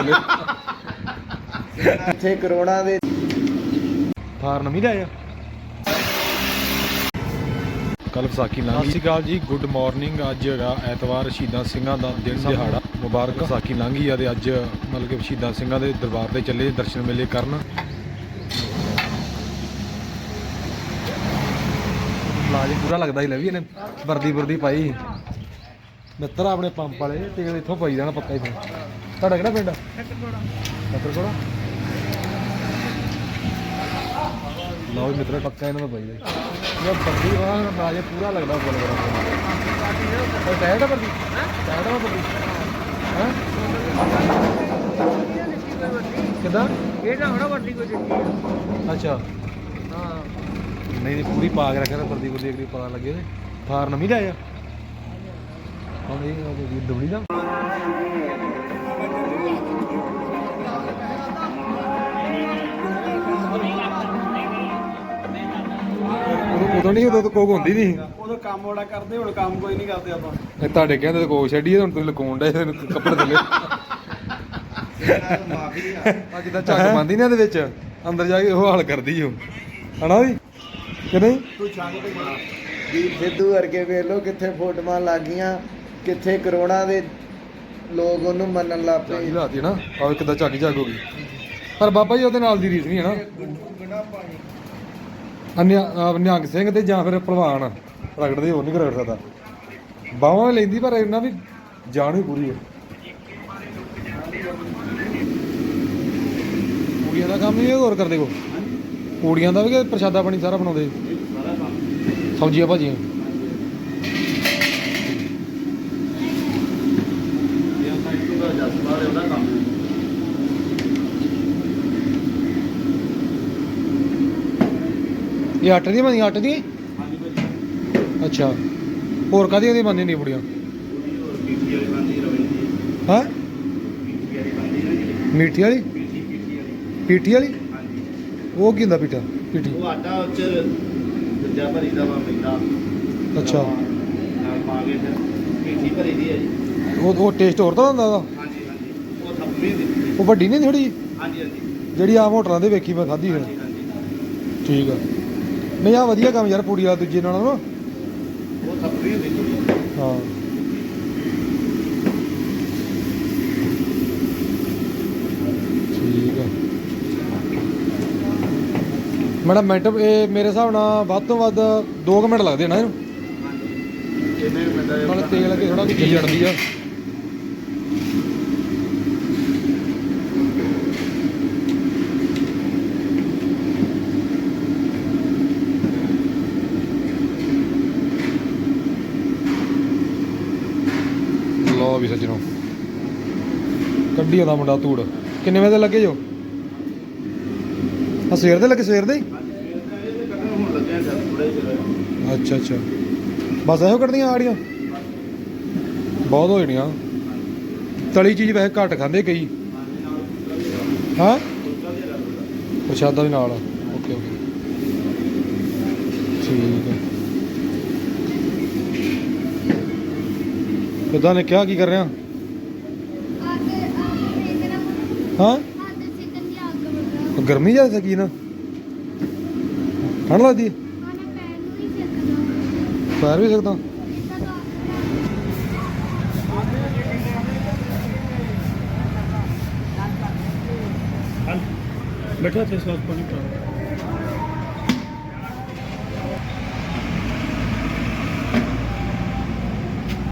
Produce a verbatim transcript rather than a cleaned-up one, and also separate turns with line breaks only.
ਥੱਲੇ
ਇੱਥੇ ਕਰੋੜਾਂ ਦੇ
ਥਾਰ ਨਵੀਂ ਲਿਆਇਆ ਕੱਲ ਵਿਸਾਖੀ ਲੰਘ ਗਈ। ਸਤਿ ਸ਼੍ਰੀ ਅਕਾਲ ਜੀ, ਗੁੱਡ ਮਾਰਨਿੰਗ। ਅੱਜ ਹੈਗਾ ਐਤਵਾਰ, ਸ਼ਹੀਦਾਂ ਸਿੰਘਾਂ ਦਾ ਦਿਨ ਦਿਹਾੜਾ ਮੁਬਾਰਕ। ਵਿਸਾਖੀ ਲੰਘ ਗਈ ਆ ਤੇ ਅੱਜ ਮਤਲਬ ਕਿ ਸ਼ਹੀਦਾਂ ਸਿੰਘਾਂ ਦੇ ਦਰਬਾਰ ਤੇ ਚੱਲੇ ਦਰਸ਼ਨ ਮੇਲੇ ਕਰਨ। ਲਾਜ ਪੂਰਾ ਲੱਗਦਾ ਹੀ ਲੈ ਵੀ ਇਹਨੇ ਵਰਦੀ ਵਰਦੀ ਪਾਈ ਮਿੱਤਰ ਆਪਣੇ ਪੰਪ ਵਾਲੇ ਤੇਲ ਇੱਥੋਂ ਪਾਈ ਜਾਣਾ ਪੱਕਾ ਹੀ। ਫਿਰ ਤੁਹਾਡਾ ਕਿਹੜਾ ਪਿੰਡ? ਫਤਿਹਗੜ੍ਹ। ਲਓ ਵੀ ਮਿੱਤਰ ਪੱਕਾ ਇਹਨਾਂ ਦਾ ਪਾਈ ਜਾਏ ਇਹ ਵਰਦੀ ਵਾਲਾ ਲਾਜ ਪੂਰਾ ਲੱਗਦਾ ਬੋਲ ਬੜਾ ਟਾਇਰ ਵਰਦੀ ਟਾਇਰ ਵਰਦੀ ਹਾਂ ਕਿਦਾਂ
ਇਹ ਤਾਂ ਹੁਣ ਵੱਡੀ ਕੋਈ ਦਿੱਤੀ
ਅੱਛਾ
ਹਾਂ
ਨਹੀਂ ਨਹੀਂ ਪੂਰੀ ਪਾ ਕੇ ਰੱਖਿਆ ਵਰਦੀ ਵਰਦੀ ਅਗਲੀ ਪਤਾ ਲੱਗੇ ਤੇ ਥਾਰ ਨਵੀਂ ਲਿਆਇਆ ਹੁਣ ਇਹ ਦਵੜੀ ਦਾ ਉਦੋਂ ਨਹੀਂ ਉਦੋਂ ਕੋਕ ਹੁੰਦੀ ਨਹੀਂ
ਉਦੋਂ ਕੰਮ ਬੜਾ ਕਰਦੇ ਹੁਣ ਕੰਮ ਕੋਈ ਨਹੀਂ ਕਰਦੇ ਆਪਾਂ
ਇਹ ਤੁਹਾਡੇ ਕਹਿੰਦੇ ਤੇ ਕੋਕ ਛੱਡੀ ਹੁਣ ਤੁਸੀਂ ਲਕਾਉਣ ਡੇ ਕੱਪੜੇ ਥੱਲੇ ਅੱਜ ਤਾਂ ਝੱਗ ਬੰਦੀ ਨੇ ਇਹਦੇ ਵਿੱਚ ਅੰਦਰ ਜਾ ਕੇ ਉਹ ਹਾਲ ਕਰਦੀ ਓ ਹਨਾ ਵੀ ਕਿ ਨਹੀਂ
ਤੂੰ ਛਾਂਗ ਤੇ ਬਣਾ ਵੀਰ ਸਿੱਧੂ ਵਰਗੇ ਵੇਖ ਲੋ ਕਿੱਥੇ ਫੋਟੋਆਂ ਲੱਗ ਗਈਆਂ ਕਿੱਥੇ ਕਰੋੜਾਂ ਦੇ ਲੋਕ ਉਹਨੂੰ ਮੰਨਣ ਲੱਗ
ਝਾਗੀ
ਪਏ
ਲਾਤੀ ਨਾ ਆਹ ਕਿੱਦਾਂ ਝਾਗੀ ਝਾਗ ਹੋ ਗਈ ਪਰ ਬਾਬਾ ਜੀ ਉਹਦੇ ਨਾਲ ਦੀ ਰੀਸ ਨਹੀਂ ਹੈ ਨਾ ਅਨਿਆ ਨਿਹੰਗ ਸਿੰਘ ਤੇ ਜਾਂ ਫਿਰ ਭਲਵਾਨ ਰਗੜਦੇ ਹੋਰ ਨਹੀਂ ਰਗੜ ਸਕਦਾ ਬਾਹਾਂ ਲੈਂਦੀ ਪਰ ਇਹਨਾਂ ਵੀ ਜਾਨ ਵੀ ਪੂਰੀ ਹੈ ਕੁੜੀਆਂ ਦਾ ਕੰਮ ਹੀ ਹੋਰ ਕਰਦੇ ਕੋ ਕੁੜੀਆਂ ਦਾ ਵੀ ਪ੍ਰਸ਼ਾਦਾ ਪਾਣੀ ਸਾਰਾ ਬਣਾਉਂਦੇ ਸਬਜ਼ੀਆਂ ਭਾਜੀਆਂ ਇਹ ਆਟੇ ਦੀਆਂ ਬਣਦੀਆਂ ਆਟੇ ਦੀਆਂ ਅੱਛਾ ਹੋਰ ਕਾਹਦੀਆਂ ਦੀਆਂ ਬਣਦੀਆਂ ਨਹੀਂ ਬੁੜੀਆਂ ਹਾਂ ਮੀਠੀ ਵਾਲੀ ਪੀਠੀ ਵਾਲੀ ਉਹ ਕੀ ਹੁੰਦਾ ਪੀਠਾ ਪੀਠੀ
ਉਹ ਆਟਾ ਉੱਚ ਦੂਜਾ ਭਰੀ ਦਾ ਵਾ ਮਿੱਠਾ
ਅੱਛਾ
ਨਾਲ ਪਾ ਕੇ ਫਿਰ ਪੀਠੀ ਭਰੀ ਦੀ ਹੈ ਜੀ
ਉਹ ਉਹ ਟੇਸਟ ਹੋਰ ਤਾਂ ਹੁੰਦਾ ਉਹਦਾ
ਹਾਂਜੀ ਹਾਂਜੀ ਉਹ ਥੱਪੀ ਦੀ
ਉਹ ਵੱਡੀ ਨਹੀਂ ਥੋੜੀ
ਹਾਂਜੀ ਹਾਂਜੀ
ਜਿਹੜੀ ਆਮ ਹੋਟਲਾਂ ਦੇ ਵੇਖੀ ਮੈਂ ਖਾਧੀ ਫਿਰ ਠੀਕ ਆ ਨਹੀਂ ਆ ਵਧੀਆ ਕੰਮ ਯਾਰ ਪੂੜੀ ਆ ਦੂਜੇ ਨਾਲੋਂ ਨਾ
ਉਹ ਥੱਪੀ ਹੁੰਦੀ ਥੋੜੀ
ਹਾਂ ਠੀਕ ਆ ਮੈਡਮ ਮਿੰਟ ਇਹ ਮੇਰੇ ਹਿਸਾਬ ਨਾਲ ਵੱਧ ਤੋਂ ਵੱਧ ਦੋ ਕੁ ਮਿੰਟ ਲੱਗਦੇ ਨਾ ਇਹਨੂੰ
ਇਹਨੇ ਮਿੰਟਾਂ
ਨਾਲ ਤੇਲ ਲੱਗੇ ਥੋੜਾ ਵੀ ਜੀ ਜੜਦੀ ਆ ਲੋ ਵੀ ਸੱਜਣੋ ਕੱਢੀ ਆਉਂਦਾ ਮੁੰਡਾ ਧੂੜ ਕਿੰਨੇ ਵਜੇ ਲੱਗੇ ਜੋ ਆ ਸਵੇਰ ਦੇ ਲੱਗੇ ਸਵੇਰ ਦੇ ਹੀ ਅੱਛਾ ਅੱਛਾ ਬਸ ਇਹੋ ਕੱਢਦੀਆਂ ਆੜੀਆਂ ਬਹੁਤ ਹੋ ਜਾਣੀਆਂ ਤਲੀ ਚੀਜ਼ ਵੈਸੇ ਘੱਟ ਖਾਂਦੇ ਕਈ ਹਾਂ ਪ੍ਰਸ਼ਾਦਾ ਵੀ ਨਾਲ ਓਕੇ ਓਕੇ ਠੀਕ ਹੈ ਕਿੱਦਾਂ ਨੇ ਕਿਹਾ ਕੀ ਕਰ ਰਿਹਾ ਹਾਂ ਗਰਮੀ ਜ਼ਿਆਦਾ ਕੀ ਨਾ ਠੰਡ ਲੱਗਦੀ ਪੈਰ ਵੀ ਸਕਦਾ
ਬੈਠਾ ਤੇ ਸਾਥ ਪਾਣੀ ਪਾ